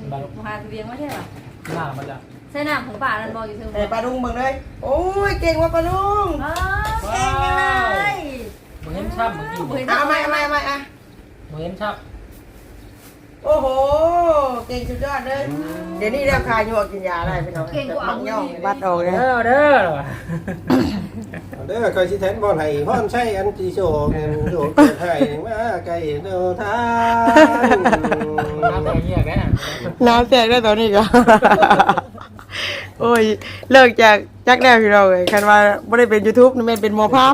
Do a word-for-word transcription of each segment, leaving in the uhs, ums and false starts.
หาเลี้ยงไม่ใช่หรอหน้ามันจะใช่หน้าของป่านันบอกอยู่เถอะแต่ปลาดุงเบิ่งเลยโอ้ยเก่งว่ะปลาดุงเก่งเลยเหมือนชับเมื่อกี้เอาไม่เอาไม่เอาไม่อ่ะเหมือนชับโอ้โหเก่งสุดยอดเลยเดี๋ยวนี้เรียกคายยัวกินยาได้พี่น้องเก่งกว่ามังย่องบัดออกเลยเด้อเด้อเด้อเคยชิแทนบอลไห้พ่อนใช่อันจีโชกโชกไห้มาไกลเดินทางน้ำแตกเงี้ยแกน้ำแตกได้ตอนนี้ก็โอ้ยเลิกจากจักแน่พี่น้องเลยคันว่าไม่ได้เป็นยูทูบนี่แม่เป็นหมอภาพ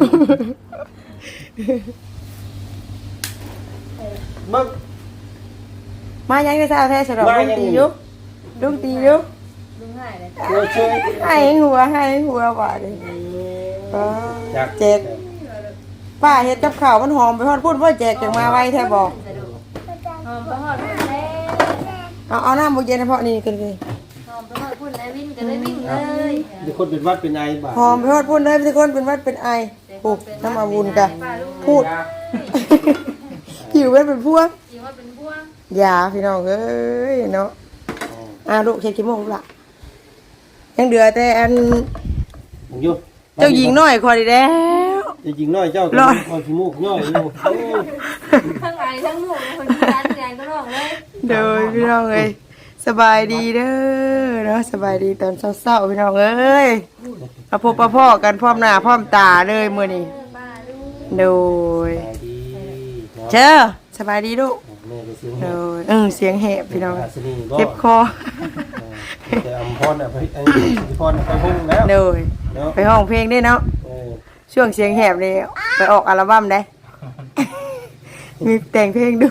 มึงมายังได้ซาแท้ฉลองลุงตียุลุงตียุลุงหายเลยหัวช่วยให้หัวให้หัวว่าเลยแจกป้าเฮ็ดกับข้าวมันหอมไปฮอดพุ่นพ่อแจกจังมาไว้แท้บอกหอมไปหอดพุ่นเลยเอาเอาน้ำบุเย็นเฉพาะนี่กันเลยหอมไปหอดพุ่นเลยวิ่งกันเลยวิ่งเลยมีคนเป็นวัดเป็นไอบ้าหอมไปฮอดพุ่นเลยทุกคนเป็นวัดเป็นไอโอ้น้ำมาบุญกันพูดหิวไว้เป็นพวกหิวว่าเป็นพวกยาพี่น้องเอ้ยเนาะอ่าลูกเช็ดขี้มูกละยังเดือแต่อันเจ้าหญิงน้อยคอยดีแล้วเจ้าหญิงน้อยเจ้าก็คอยขี้มูกน้อยอยู่ทั้งไงทั้งหมูคนที่ร้านไงก็ร้องเลยเด้อพี่น้องเอ้ยสบายดีเด้อเนาะสบายดีตอนเศร้าๆพี่น้องเอ้ยมาพบปะพ่อกันพร้อมหน้าพร้อมตาเลยมื้อนี้โดยเจ้าสบายดีลูกโดยเออเสียงแหบพี่น้องเจ็บคอแต่อัมพรน่ะไปไอ้พรไปห้องแล้วโดยไปห้องเพลงได้เนาะช่วงเสียงแหบนี่ไปออกอัลบั้มได้มีแต่งเพลงดู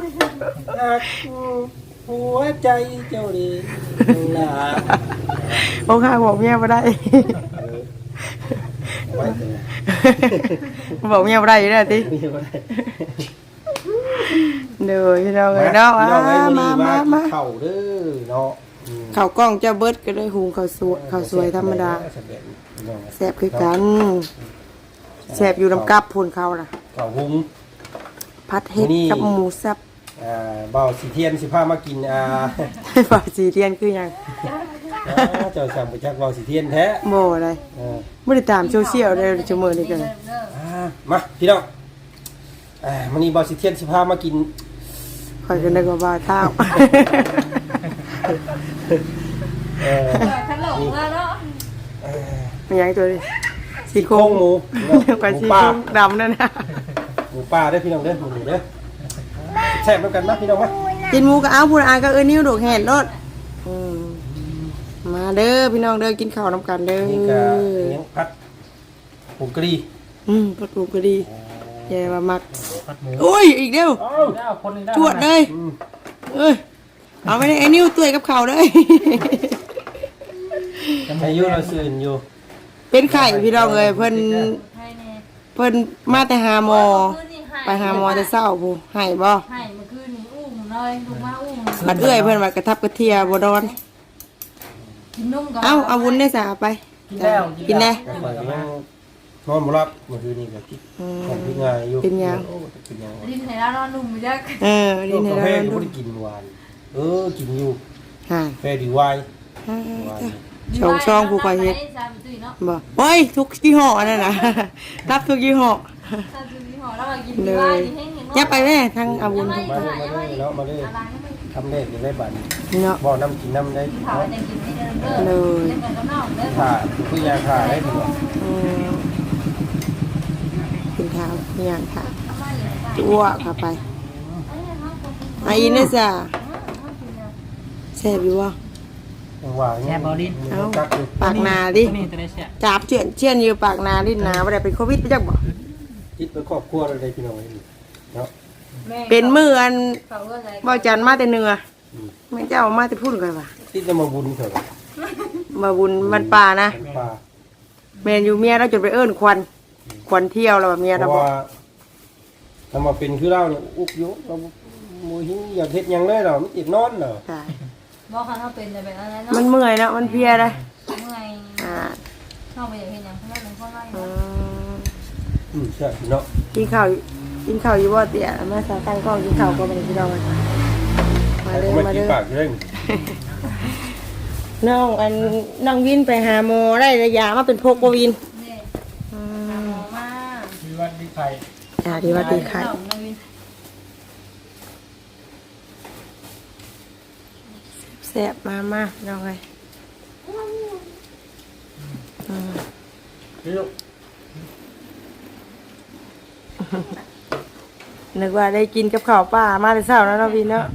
หัวใจเจ้าดีน่าโอ้ข้าบอกเมียมาได้บอกเมียมาได้อยู่แล้วทีเดี๋ยวพี่น้องเลยเนาะมามามาเข่าเด้อเนาะเข่ากล้องเจ้าเบิร์ดก็ได้หุงข้าวสวยข้าวสวยธรรมดาแซ่บคือกันแซ่บอยู่ลำกับพูนเขาล่ะข้าวหุงผัดเห็ดกับหมูสับอ่าเบาสีเทียนสิผ้ามากินอ่าเบาสีเทียนคือยังเจ้าสั่งไปจากเบาสีเทียนแท้โม่อะไรไม่ได้ตามโซเชียลเลยชั่วโมงนี้กันมาพี่น้องอ่ามันนี่เบาสีเทียนสิผ้ามากินคอยกันได้กว่าบ้าเท้าเออขนมแล้วเนาะมันยังตัวนี้ซี่โครงหมูไปซี่โครงดำนั่นนะหมูป่าได้พี่น้องเด้อหมูเด้อแซ่บแล้วกันนะพี่น้องมากินหมูกับอ้าวพูดอ่านก็เออนิ้วดอกแห่นรถมาเด้อพี่น้องเด้อกินข้าวน้ำกันเด้อนี่ก็เลี้ยงพัดผงกะหรี่อืมพัดผงกะหรี่ใหญ่มามักโอ้ยอีกเดียวจวดเลยเอ้ยเอาไปไอ้นิ้วตัวกับเข่าเลยอายุเราสื่นอยู่เป็นไข่พี่น้องเลยเพิ่นเพิ่นมาแต่หาหมอไปหาหมอแต่เศร้าผู้ให้บ่ให้เมื่อคืนนี้อุ้มเลยลูกมาอุ้มบัดเอื้อยเพิ่นว่ากระทับกระเทียบ่ดอนกินนมก่อนเอ้าเอาวุ้นได้สาไปกินแล้วกินได้นอนบ่หลับเมื่อคืนนี้ก็คิดคิดง่ายอยู่เป็นยังดินไหนแล้วนอนนุ่มจักเออดินไหนแล้วนอนนุ่มบ่ได้กินหวานเออกินอยู่ฮะแฟดีไวช่องช่องผู้คอยเฮ็ดบ่โอ้ยทุกยี่ห้อนั่นน่ะรับทุกยี่ห้อเลยยับไปแม่ทางอาวุธมาเลยมาเลยเนาะมาเลยทำได้ยังได้บัตรเนาะบ่อน้ำกินน้ำได้เลยถ่าคือยาถ่าได้ถึงกินข้าวอย่างค่ะอ้วกเข้าไปไอ้นี่จ้ะแซ่บอยู่วะแซ่บบอลิ้นเอาปากนาดิจับเชื่อนเชื่อนอยู่ปากนาดินาไม่ได้เป็นโควิดไปจักบ่คิดไปครอบครัวอะไรพี่น้องเนาะเป็นมืออันบ่จันมาแต่เนื้อไม่เจ้ามาแต่พูดกันว่ะติดจะมาบุญเถอะมาบุญมันป่านะเมียอยู่เมียเราจนไปเอิ้นควันควันเที่ยวแล้วเมียเราบอกทำมาเป็นคือเราเนี่ยอุกยุเราโมหิงอยากเฮ็ดยังเลยเราไม่ติดนอนเหรอบอกเขาเขาเป็นแต่แบบนั้นเนาะมันเมื่อยนะมันเพียเลยเมื่อยอ่าชอบไปอย่างเห็นอย่างเขาเป็นข้อไล่อืมใช่เนาะกินข้าวกินข้าวอยู่บ่เตี๋ยแม่สาวตั้งกล้องกินข้าวก็ไม่ได้กินเราเลยมาเลยมามากิเลนยปากเร่งน้องอันน้องวินไปหาหมอได้ระยะมาเป็นพกบ่วินนี่อืหาม หมอมามีวันมีใครจ้าดีว่าดีค่ะน้องน้องวินแซ่บมามาน้องเอ้ยอืมพี่ลูกนึกว่าได้กินกับข้าวป่ามาแต่เช้าแล้วเนาะวินเนาะ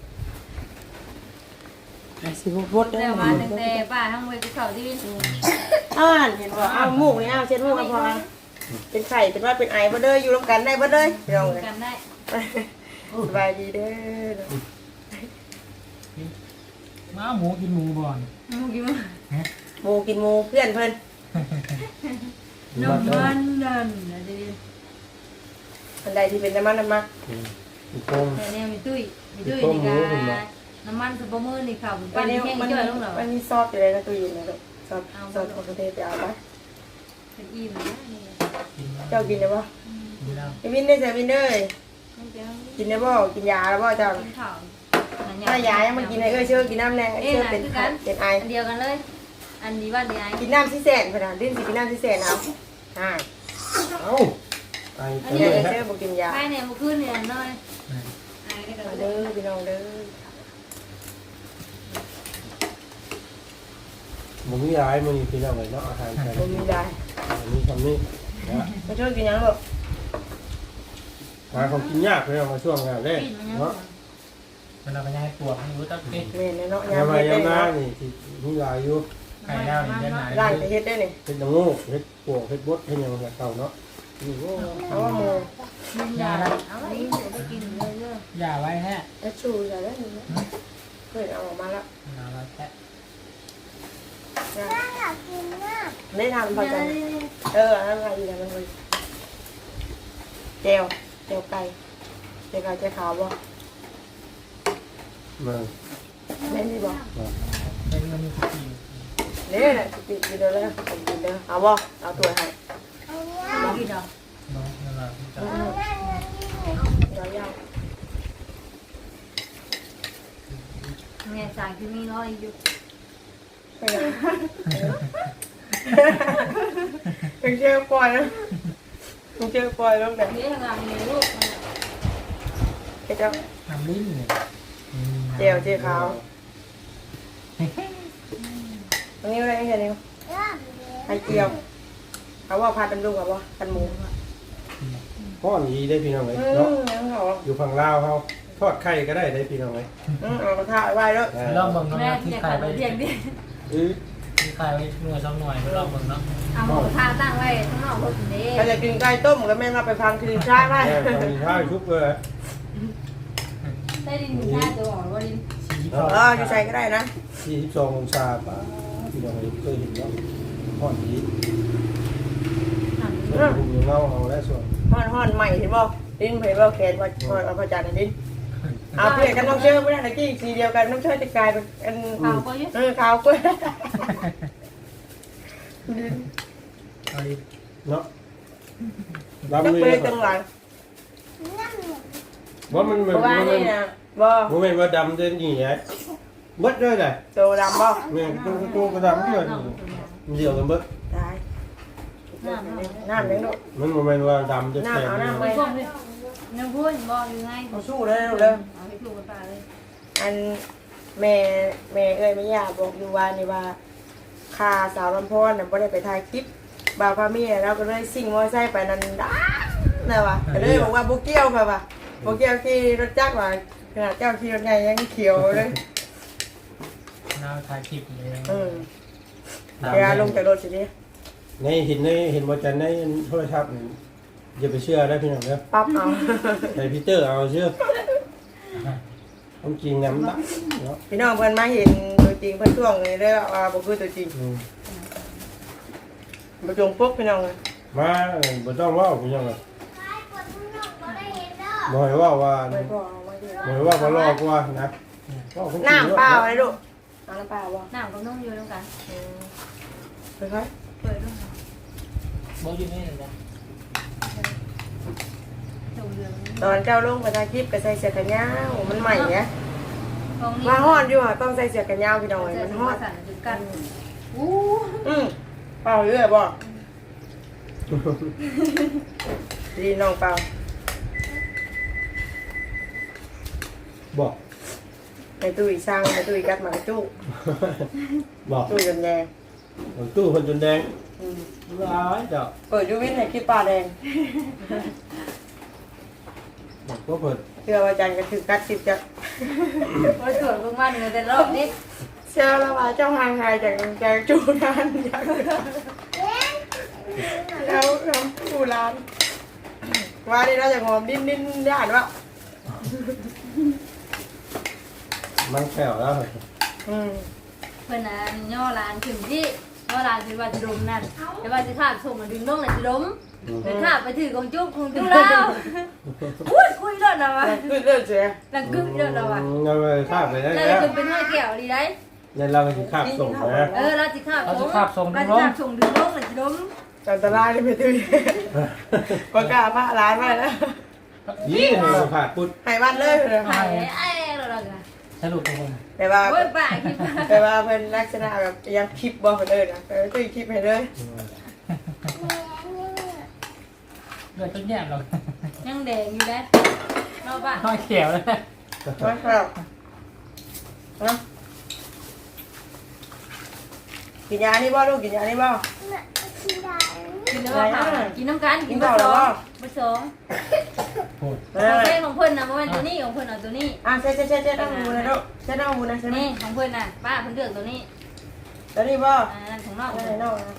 สิบ่บดได้แต่อมาตั้งแต่ป้าทั้งเวทีเขาที่วินอ้าวเห็นบ่อ้าวหมูกนี่อ้าวเช็ดหมูกกันพอเป็นไข่เป็นว่าเป็นไอบ่เด้ออยู่ร่วมกันได้บ่เด้อพี่น้องเอ้ยกันได้สบายดีเด้อม้าหมูกินหมูบ่อนมูกินมั้ยหมูกินหมูเพื่อนเพิ่นนมมันนั่นนะดิอันใดที่เป็นน้ำมันน้ำมันอีกคงแต่เนี่ยมีตุ้ยมีตุ้ยนี่ก็น้ำมันสปอร์มือนี่ค่ะปั้นแห้งมันจ่อยลงเหรอมันมีซอสอยู่เลยนะตู้เย็นนะลูกซอสซอสของประเทศไปเอาไปเป็นอิ่มนะนี่กินแล้วเจ้ากินได้บ่กินแล้วไอ้วินได้ใส่วินเด้ยมันจะกินได้บ่กินยาแล้วบ่เจ้ากินข้าวถ้ายายังมากินให้เอ้ยเชื่อกินน้ำแรงเอ้ยเชื่อเป็นไข้เป็นไออันเดียวกันเลย อันนี้ว่าเดียวกินน้ำที่แสนขนาดดิ้นสิกินน้ำที่แสนเอาอ่าเอ้าไอ้อัตันวนี้นี้เอ้ยฮะเชื่อบ่กินยาใครเนี่ยมาขึ้นเนี่ยน้อยไอ้ก็มาเด้เด้ออพี่น้องเด้อมึงมีร้ายมึงพี่น้องเลยเนาะอาหารไทยบ่มีได้อันนี้คำนี้นะมาช่วยกินยังลูกหาของกินยากเลยมาช่วงงานแรกปิดมันยังเนาะเวลาไปย้ายปวดรู้ตั้งเอ๊ะแม่นเนาะยามยำมาเฮ็ดได้ยามหน้าเนาะนี่ที่มีหลายอยู่ไก่แล้วนี่เดินหายร้านจะเฮ็ดได้นี่เฮ็ดน้ำงูเฮ็ดปวกเฮ็ดบดเฮ็ดหยังแบบเก่าเนาะนี่โอ้เอาว่าหมูมันยาเอาไว้เดี๋ยวไปกินเลยเด้ออย่าไว้แฮะแล้วชูใส่ได้นี่นะเพิ่นเอาออกมาแล้วเอาไว้แค่ได้ทำพอกันเอออันนั้นอะไรอยู่แล้วมันเลยเจลเจลไก่เจลไก่เจลขาวบ่มาแม่นดีบ่เป็นมันมีกี่เนี่ยน่ะติดกินเด้อเลยผมกินเด้อเอาบ่เอาถ้วยให้ไม่กินหรอกน้องนั่นแหละที่จะเดี๋ยวยาวแม่สั่งที่มีน้อยอยู่ไปเลยเป็นเจลปล่อยนะเป็นเจลปล่อยลงแบบนี่ทำงานมีลูกเจ้าทำลิ้นเนี่ยเจลเจลขาวอันนี้อะไรนี่นิ้วไข่เจียวเอาว่าผัดเป็นลูกเอาบ่ผัดหมูพ่อนดีได้พี่น้องเลยอืเนาะมยังเขาอยู่ฝั่งลาวเฮาทอดไข่ก็ได้ได้พี่น้องเลยอืมเอากระทะไว้แล้วลองเบิ่งน้องแม่ที่เนี่ยขายขับไปรถเรียงดิเออที่ขายไว้หน่วยสองหน่วยไปลองเบิ่งเนาะเอาหมูทาตั้งไว้ข้างนอกรถเด้ถ้าจะกินไก่ต้มก็แม่มาไปพังกินชาไปแม่ทำมีข้าวชุบเลยได้ดินชาตัวอ่อนว่าดินสีเอออยู่ใส่ก็ได้นะสี่สิบสององศาป่ะพี่น้องเลยเคยเห็นเนาะพ่อนดีส่วนภูมิเงาเอาและส่วนห่อนห่อนใหม่เห็นบ่ดินเผยบ่แขนว่าห่อนเอาพระจันทร์ดินเอาเพื่อนกันน้องเชื่อไม่ได้ตะกี้สีเดียวกันน้องเชื่อจะกลายเป็นอันเอาก็ยึดเออขาวกล้วยเอาดิเนาะจักดำเลเปยจังหลังว่ามันเพมันราะว่ามันนี่นะบ่มันเป็นว่าดำเด่นยี่ไงเบิดด้วยเลยโตดำบ่เนี่ยตัวตัวกระดำด้วยเดียวกันเบิดตายน้ำเลี้ยงลูกมันมันเป็นว่าดำจะแข็งน้ำเอาน้ำไปไว้พวกนี้น้ำพุนบอกยังไงเอาสู้เลยลูกเลยเอาไปถูกกันตาเลยอันแม่แม่เอ้ยแม่ย่าบอกอยู่ว่านี่ว่าคาสาวลำพอนน่ะบ่ได้ไปถ่ายคลิปบาวพามีเราก็เลยซิ่งมอไซค์ไปนั่นด้าน่ะว่ะก็เลยบอกว่าบ่เกี่ยวค่ะว่ะบ่เกี่ยวขี่รถจักรว่าขนาดเจ้าขี่รถใหญ่ยังเขียวเลยน้าถ่ายคลิปเลยเออเวลาลงจากรถสิดิในเห็นในเห็นบอจันในโทรศัพท์อย่าไปเชื่อได้พี่น้องเนาะปั๊บเอาใส่พีเตอร์เอาเชื่อความจริงน้ำดับเนาะพี่น้องเพิ่นมาเห็นตัวจริงเพิ่นช่วงนี้เด้อว่าบ่คือตัวจริงบ่จงปกพี่น้องเลยมาบ่ต้องว่าพี่น้องเลยบ่ให้ว่าว่าไม่พอเอามาดิบ่ให้ว่าบ่รอกว่านะน้ำเปล่าอะไรลูกเอาน้ำเปล่าบ่น้ำกับนมอยู่ด้วยกันอืมไปค่อยเปิดด้วยโบอยู่นี่นะถูกเรื่องตอนเจ้าลงไปถ่ายคลิปก็ใส่เสื้อแขนยาวมันใหม่เนี่ยตรงนี้มาฮ้อนอยู่อ่ะต้องใส่เสื้อกันยาวพี่น้องมันฮ้อนสั่นจุดกันอู้อืมเปล่าเรื่อยบ่ดีน้องเปล่าบอกในตู้อีสร้างในตู้อีกัดหมากระจุกบอกตู้จนแดงตู้คนจนแดงอืมร้ายเจ้าเปิดยูวินให้คลิปปลาแดงบอกก็เปิดเชื่อว่าจันก็คือกัดสิบจะโอ้ยสวยมากๆเลยแต่รอบนี้เชื่อแล้วว่าเจ้าห่างหายจากจากจูนานจากแล้วน้ำจูร้านว่านี่เราจะงอมดิ้นดิ้นย่านวะมันแข็งแล้วอืมเพื่อนน่ะย่อร้านถึงที่ย่อร้านคือว่าจะดมนั่นแต่ว่าจะขาดส่งมาดึงลงเลยจะดมแต่ขาดไปถือของจุ๊บของจุ๊บแล้วพูดคุยเรื่องอะไรวะคือเรื่องเสียดังกึ๊บเรื่องอะไรวะเราไปคาบไปได้แล้วแล้วจะเป็นห้อยแก้วดีได้ยันเราไปถึงคาบส่งนะเออเราจะขาดส่งเราจะขาดส่งดึงลงเลยจะดมอันตรายเลยไปตื้อประกล้าศมาร้านมาแล้วยี่เราขาดปุ๊ดหายวันเลยเลยไอ้ไอ้เราเราจะสรุปทุกคนแต่ว่าโอ้ยป่าคิดแต่ว่าเป็นลักษณะแบบยังคลิปบอกเลยนะเออตุ้ยคลิปให้เลยเลือดต้นแย่เรายังแดงอยู่แล้วเราป่ะน้อยเขียวเลยมาครับนะกินยานี่บ่ลูกกินยานี่บ่กินแล้วค่ะกินน้ำกันกินผสมผสมพูดเอของอเพื่อนของเพื่อนนะเพราะว่าตัวนี้ของเพื่อนเอาตัวนี้อ่ะเช็ดเช็ดเช็ดเช็ดต้องหูนะลูกเช็ดต้องหูนะใช่ไหมนี่ของเพื่อนน่ะป้าเพื่อนเลือกตัวนี้แล้วนี่บ่อ่านั่นของนอกนั่นน้องนะ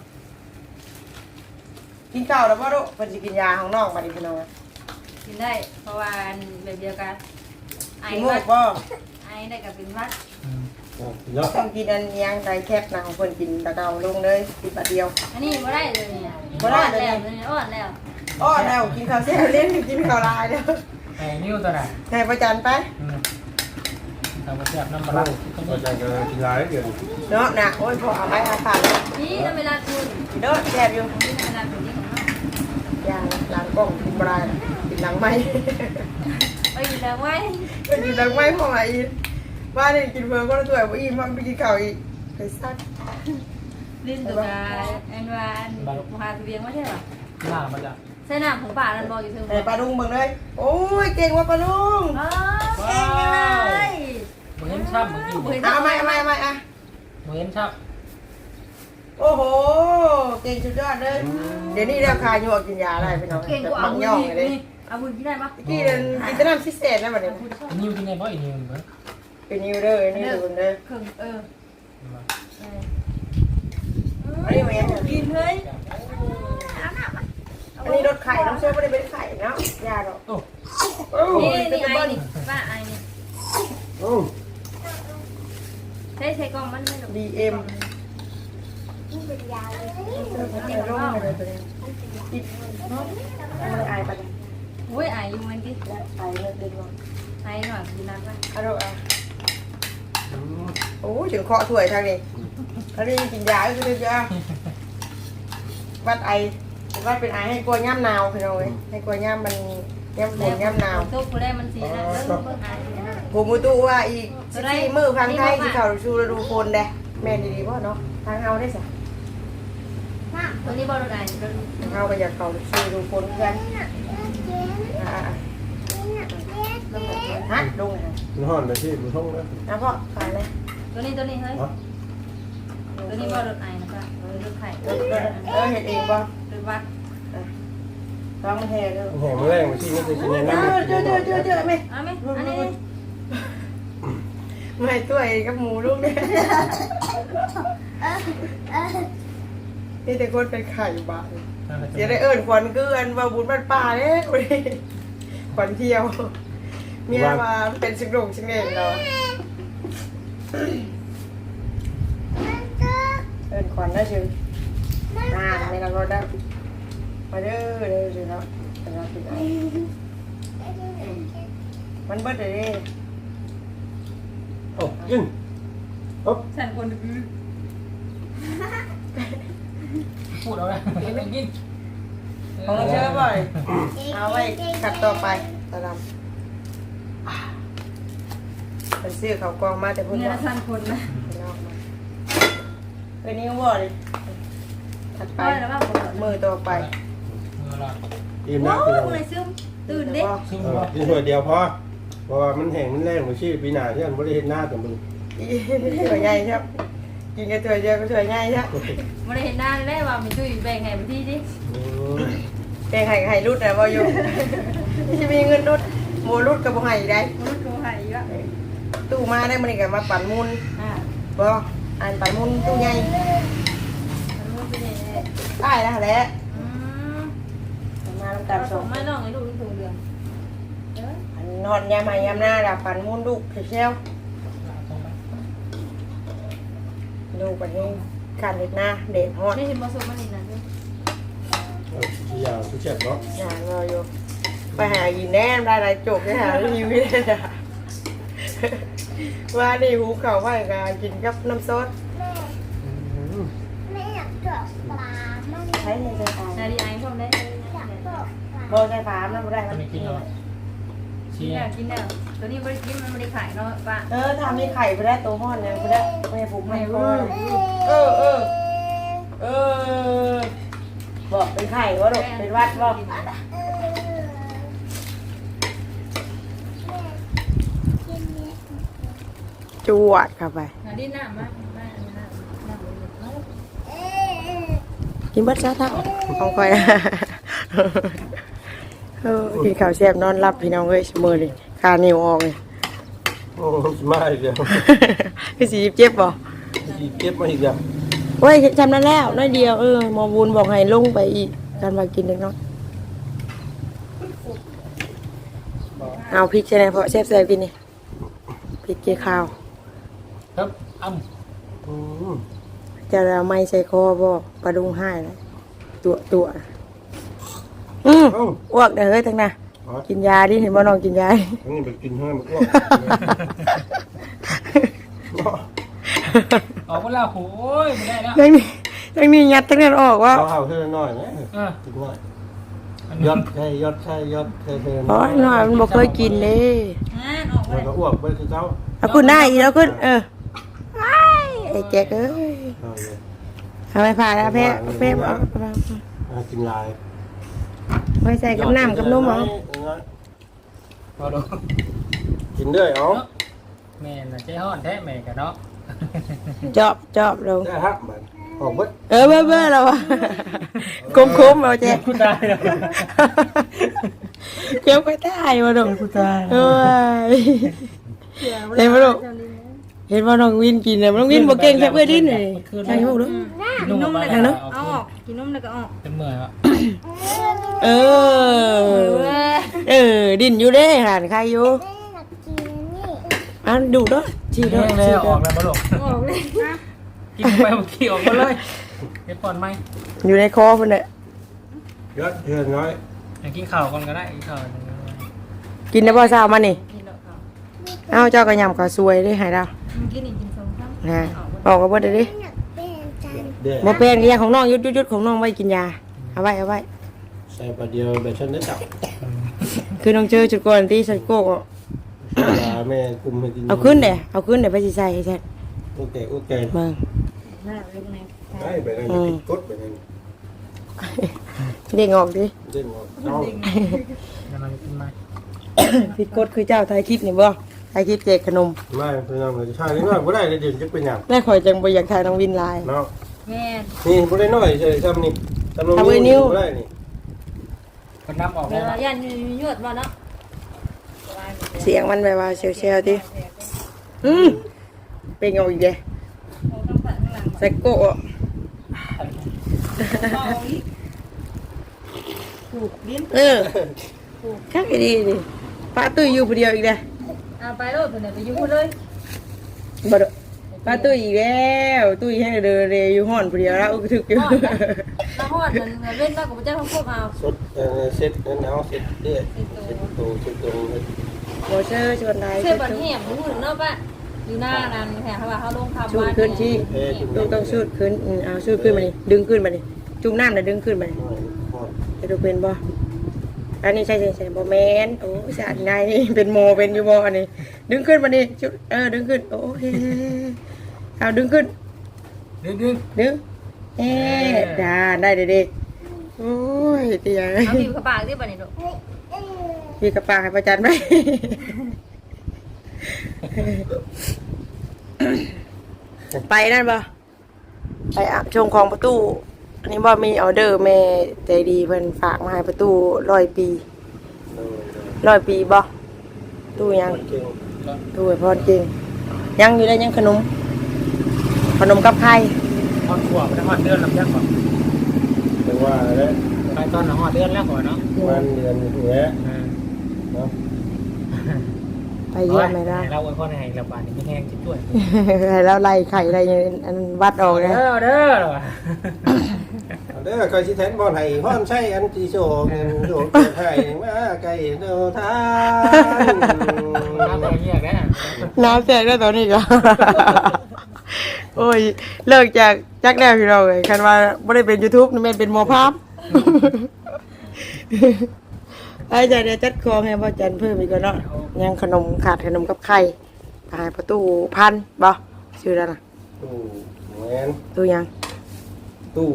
กินข้าวแล้วบ่ลูกมันจะกินยาของน้องมาดิพี่น้องกินได้เพราะว่าแบบเดียวกันไอ้กินหมูวัดบ่ไอ้ได้กับเป็นวัดเนาะต้องกินอันยังไดแคปนะของเพิ่นกินตะเกาลงเลยกินบาทเดียวอันนี้ไม่ได้เลยเนี่ยอ่อนแล้วเนี่ยอ่อนแล้วอ้อแล้วกินข้าวแซ่บเล่นกินข้าวลายเด้อไอ้นิ้วตัวไหนให้ประจันไปทำมาแซ่บน้ำปมาลาอาจารย์ก็กินร้ายเกินเนาะนะโอ้ยพอเอาไปอาขาดเลยนี่ถ้าเวลาคุณเด้อแซ่บอยู่นี่เวลาเป็นที่ของนอกยางหลังกล้องกินบรายกินหลังไม้ไปอยู่แล้วไว้กินหลังไม้พอมาอีกว่านี่กินเพิ่มก็ตัวบ่อีมันไปกินข้าวอีกไปซักลิ้นตัวกายอันว่าอันพาตัวเบียงไม่ใช่หรอหน้ามันจะใส่น้ำของป่านั่นบอกอยู่เทิงแต่ปลาดุงเบิ่งเลยโอ้ยเก่งว่ะปลาดุงอ๋อเก่งเลยเหมือนชับเหมือนกินเอาใหม่เอาใหม่เอาใหม่อ่ะเหมือนชับโอ้โหเก่งสุดยอดเลยเดี๋ยวนี้เรียกคาอยู่กินยาอะไรพี่น้องเก่งกว่ามัอาง วุย่องธเลยนี่อาวุธที่ได้ปะกี่เดือนกินแต่น้ำพิเศษนะบัดนี้นิ้วกินไงบ่อีนิ้วเหมือนเป็นนิวเด้อนี่ดูเด้อครึ่งเอออันนี้แม่นกินเลยอันนี้รถไข่น้ำเชื่อไม่ได้เป็นไข่เนาะยาหรอกโอ้โอ้นี่ยนี่เป็นไอ้บ้านนี่ป้าไอ้นี่โอ้ใช้ใช้กล้องมันไม่หรอกดีเอ็มนี่ลของงนอกมาเลยตัวนี้ติดเนาะไม่ได้อายปะเนี่ยโอ้ยไอ้อยู่มันดิอายเลยเดินลงไอ้หน่อยกินน้ำไปอะโดอ่ะโอ้ยถึงเคาะถ้วยทางนี้ทางนี้กินยาก็คือเยอะวัดไอวัดเป็นไอให้กลัวย่ำหนาวพี่น้องเอ้ยให้กลัวย่ำมันย่ำฝนย่ำหนาวตุ๊กกูได้มันสีนะเออเบิ่งไอ้นะผมมูตู้ว่าอีกสิบสี่มือพังไทยที่เขาชูฤดูฝนเด้แม่นดีๆพ่อเนาะทางเฮาได้สิตัวนี้บอลได้ทางเฮาก็อยากเขาชูฤดูฝนกันอ่าฮะลงเลยมันห่อนไปที่มันท่องนะนะพ่อขายเลยตัวนี้ตัวนี้เฮ้ยตัวนี้บอลไอ้นะป้าเออลูกไข่เออเออเห็ดเองป่ะหรือวัดลองมาแห่ดูแห่มาแรงมาที่นี่จะกินในเอน้ำอเจอเจอเจอเจอไหมเอาไหมอันนี้ไม่ตัวเองกับหมูลูกเนี่ยนี่แต่คนเป็นไข่บ้านเดี๋ยวได้เอิญขวัญเกลือนว่าบุญบ้านป่าเนี่ยขวัญเที่ยวเมียมาเป็นสิงโด่งสิงเด่งเราเอิญขวัญได้ชื่ออ่าไม่รับรถได้มาเด้อเด้อสิครับเป็นรับผิดมันเบิดเลยโอ้ยินโอ้ฉันคนดื้อพูดเอาเลยไม่กินของเราเชื่อบ่อยเอาไว้ขัดต่อไปตะลำไปซื้อเขากองมาแต่พุ่นเงินเนาะละพันคนนะเออนี่ก็บ่เลยถัดไปไปแล้วว่าบ่มือต่อไปมือละอิ่มโอ้นะพี่น้องยเลยซึมตื่นดิซึ่งเออว่ากินถ้วยเดียวพอเพราะว่ามันแห้งมันแรงมันชื่อปีหน้าที่มันบ่ได้เฮ็ดหน้าแต่มึงถั่วใหญ่ครับกินกับถั่วเดียวก็ถั่วใหญ่ครับบ่ได้เห็นหน้าเลยว่ามีตุ้ยแบ่งให้บ่ที่ดิอืมแกงไห่ไห่รุดแต่บ่อยู่จะมีเงินรุดโมรุดกับบ่ไห่ได้มันโทรให้อีกอ่ะตู้มาได้มันก็มาปั่นมุนอ่าบ่อ่านปั่นมุนตู้ใหญ่มันมันเป็นยังไงได้แล้วแหละอืมมาลำแต่กันสส่อง งไม่น้องให้ลูกถุงเดือนเด้ออันนอนยามใหม่ยามหน้าดับปั่นมุนลูกเชียวลูกไปให้การเด็ดหน้าเด็ดฮอดไม่เห็นบ่ส่งมานี่นั่นเด้อเอาทุกอย่างทุกเช็ดเนาะอย่าเราอยู่ไปหาอีแน่ได้หลายจบไปหารีวิวได้ว่านี่หูเข่าไว้ก็กินกับน้ำซอสอืมแม่อยากเจาะปลามั่งใช้ในใจตายนาดีไอ้พร้อมได้อยากเจาะปลาโบใช้ฝามน้ำได้ตอนนี้กินแล้วกิชี้นแล้วกินแล้วตัวนี้บ่ได้กินมันบ่ได้ขายเนาะป้าเออทำมีไข่ไปได้ตัวห้อนเนี่ยไปได้ไม่ผูกไม่คอเออเออเออบอกเป็นไข่วะลูกเป็นวัดบอกเออแม่กินเนี่ยจวดเข้าไปนาดีน้ำมามาน้ำน้ำเออกินเบัดซะทั้งของคอยเออกินข้าวแซ่บนอนรับพี่น้องเอ้ยเสมอเลยคานิ้วออกเลยโอ้สมาอีกแล้วคือสีเจ็บบ่อีกเก็บมาอีกแล้วโอ้ยจำนั้นแล้วน้อยเดียวเออหมอบุญบอกให้ลงไปอีกการมากินเล็กน้อยเอาพริกใช่ไหมเพราะแซ่บแซ่บกินนี่พริกเกี่ยวข้าวครับอ้ำอืมจะเอาไม้ใส่คอบ่ปลาดุงให้เลยตัวตัวอืมเอ้าอ้วกเด้อเฮ้ยทั้งน่ะอ๋อกินยาดิเห็นบ่น้องกินยาดิอันนี้ไปกินให้มันอ้วกเนาะออกมาแล้วโอ้ยไม่ได้แล้วทั้งนี้ทั้งนี้ยัดทั้งนั้นออกว่าเอาเอาเท่าน้อยนะเออกินน้อยยอดใช่ยอดใช่ยอดเท่เท่โอ้ยน้อยมันบ่เคยกินเด้อ่านออกแล้วมาก็อ้วกไปคือเขาเอาขึ้นได้อีกแล้วขึ้นเอออ้ายไอ้แจ๊กเอ้ยเอาเลยทำไมผ่าแล้วแพ้แพ้เอาเอากินลายไว้ใส่กับน้ำกับนมเหรอพอดูกินด้วยเอาแม่น่ะใจฮ้อนแท้แม่กันเนาะจอบจอบลงได้ครับมันออกเบิดเออเบ้อเบ้อเราอะคมคมเราแจ๊กกูตายแล้วเกี่ยวไปได้มาดงเอ้ยเห็นมาดงเห็นว่าน้องวินกินเลยน้องวินบอกเก่งแค่เพื่อดิ้นเลยใช่ไหมลูกกินนมแล้วก็เอาออกกินนมแล้วก็ออกเป็นเมื่อยอ่ะเออ เออ ดิ้นอยู่เด้หันใครอยู่แม่อยากกินนี่อ่ะดูด้วยชีแห้ด้วยงแล้ชีวอด้วอย กแล้วบ่ลูกออกเลยกินไปเมื่อกี้ออกมาเลยเฮ็ดปอนไหมอยู่ในคอคนเนี่ยยอดเท่น้อยอยากกินข้าวก่อนก็ได้กินข้าวกินได้บ่เช้ามานี่กินแล้วก็เอ้าเจ้ากระยำก็สวยได้หายดาวกินอีกกินสองครั้งนะบอกกับว่าเดี๋ยวดิแม่อยากเป็นจานเด็ดบ่เป็นก็ยังของน้องยุดยุดยุดของน้องไว้กินยาเอาไว้เอาไว้ใส่ปลาเดียวแบบฉันได้จับคือน้องเจอจุดก่อนที่ใส่โก้ก็ปลาแม่คุมให้กินเอาขึ้นเด้เอาขึ้นเด้ไปสิใส่ใช่โอเคโอเคเบิ่งหน้าเล็กไงได้ไปนั่นก็ติดกดไปนั่นเด้งออกดิเด้งออกเอากำลังกินไหมผิดกฎคือเจ้าถ่ายคลิปนี่บ่ถ่ายคลิปแจกขนมไม่เป็นยังไงใช่นี่ว่าบ่ได้เลยเดี๋ยวจะเป็นหยังแม่ข่อยจังบ่อยากถ่ายน้องวินไลน์เนาะแม่นี่บ่ได้น้อยใช่ซ้ำนี่ซ้ำลงเอาไว้นิ้วบ่ได้นี่คนนับออกเวแล้วลาย่านยวดมาเนาะเสียงมันแบบว่าเซลๆดิอืมเป็นเอาอีกเด้ใส่โก้อะผูกลิ้นเออคักอีดีดิป้าตุ้ยอยู่ผู้เดียวอีกเด้เอาไปโลดตัวไหนไปยุ่งเลยบ่ดอกป้าตุ้ยอีกแล้วตุ้ยให้เดินเรอยู่ห้อนผู้เดียวแล้วอึกทึกอยู่น้ำหอดมันเล่นมากกว่าเจ้าของพวกเอาสดเอ่อเซ็ตนั่นเอาเซ็ตเด้อเซ็ตโตเซ็ตโตบ่เชื่อชวนได้เชื่อบันแหมหูหนึ่งเนาะป้าอยู่หน้านั้นแหมเขาว่าเขาลงคำชูดว่าขึ้นที่ลูกต้องชูดขึ้นอืมเอาชูดขึ้นมาดิดึงขึ้นมาดิจุ่มน้ำแล้วดึงขึ้นมาดิน้อยพอจะดูเป็นบ่อันนี้ใช่ใช่ใช่โบแมนโอ้สะอาดนายนี่เป็นโมเป็นยูโบอันนี้ดึงขึ้นมาดิชุดเออดึงขึ้นโอเคเอาดึงขึ้นดึงดึงดึงเอ๊ะจ้าได้เด็กๆโอ้ยเตียเอาบีบกระปากที่บ้านนี่ลูกพี่กระปากให้ประจันไหม ไปนั่นปะไปอาบชงของประตูอันนี้บ่มีออเดอร์แม่ใจดีเพิ่นฝากมาให้ประตูร้อยปีร้อยปีบ่ตู้ยังเก่งตู้ไอ้พรจริงยังอยู่ได้ยังขนมขนมกับไข่ทอดขัวไปทอดเดือนลำยักษ์ก่อนแต่ว่าแล้วไปตอนหอดเดือนแล้วก่อนเนาะมันเดือนหัวเนาะไปเยี่ยมไม่ได้เราไว้พ่อในระบาดนี่ไม่แห้งจิตด้วยให้เราไล่ไข่ไล่อันวัดออกเด้นะอเด้อเหรอวะเด้อคอยสิแทนบ่ให้พ่อนใช้อันจีโชกโชกให้มาไกลเด้อทานน้ำอะไรเงี้ยแกน้ำแตกแล้วตอนนี้ก็ โอ้ยเลิกจากจักแนวพี่เราเลยคันว่าไม่ได้เป็น YouTube นี่แม่นเป็นหมอภาพ ไอ้ใจเดี๋ยวจัดคองให้พ่อจันเพิ่มอีกก่อนเนาะยังขนมขาดขนมกับไข่ตายประตูพันบ่ชื่อแล้วนะตู้แมนตู้ยังตู้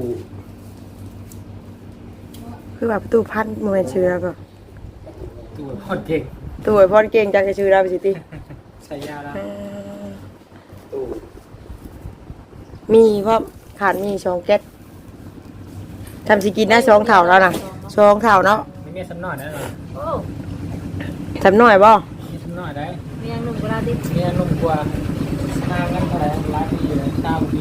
คือว่าประตูพันโมเมนชื่อแล้วก็ตัวพอดเก่งตู้ไอ้พ่อเก่งจังจะชื่อแล้วไปสิติใส่ยาแล้วตู้มีเพราะขาดมีสองแก๊สทำสิกินได้สองเท่าแล้วนะสองเท่าเนาะไม่มีสำนอยได้หรอโอ้ทำหน่อยบ่มีสำนอยได้มียังหนุ่มกว่าดิมีนุ่มกว่าทางกันเท่าไหร่หลายปีเลยเก้าปี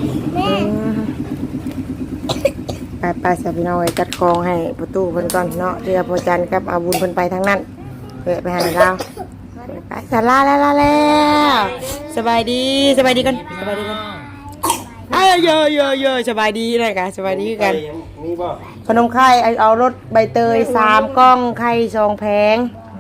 ไปไปๆสับพี่น้องไว้จัดคองให้ประตูเพิ่นก่อนเนาะเรือพอจันกับอาบุญเพิ่นไปทางนั้นเพื่อไปหาเราไปสาลาแล้วลาแล้วสบายดีสบายดีกันสบายดีกันเอ้ยเยอะเยอะเยอะสบายดีเลยกันสบายดีคือกันมีบ่ขนมไข่เอาเอารถใบเตยสามกล้องไข่สองแผง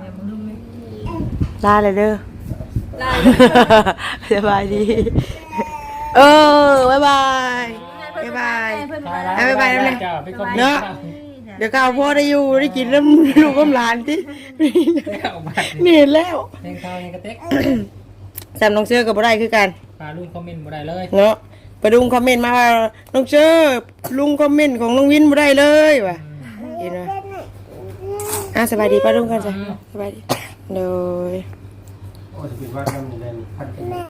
ลาเลยเด้อลายสบายดี เออบายบายบายบายเพิ่นไปมาแล้วไปไปแล้วเนี่ยจ้าพี่คนเนาะ เดี๋ยวก้าวพ่อได้อยู่ได้กินแล้วลูกกับหลานที่แล้วมานี่เห็นแล้วเพลงเขาเนี่ยกระเต็กจำน้องเชื่อกับบ่ได้คือกันปลาลุงคอมเมนต์บ่ได้เลยเนาะไปดุงคอมเมนต์มาว่าน้องเชื่อลุงคอมเมนต์ของน้องวินบ่ได้เลยว่ะเห็นไหมอ่ะสบายดีป้าลุงกันจ้ะสบายดีโดยโอ้จะเป็นว่าทำยังไงพันกัน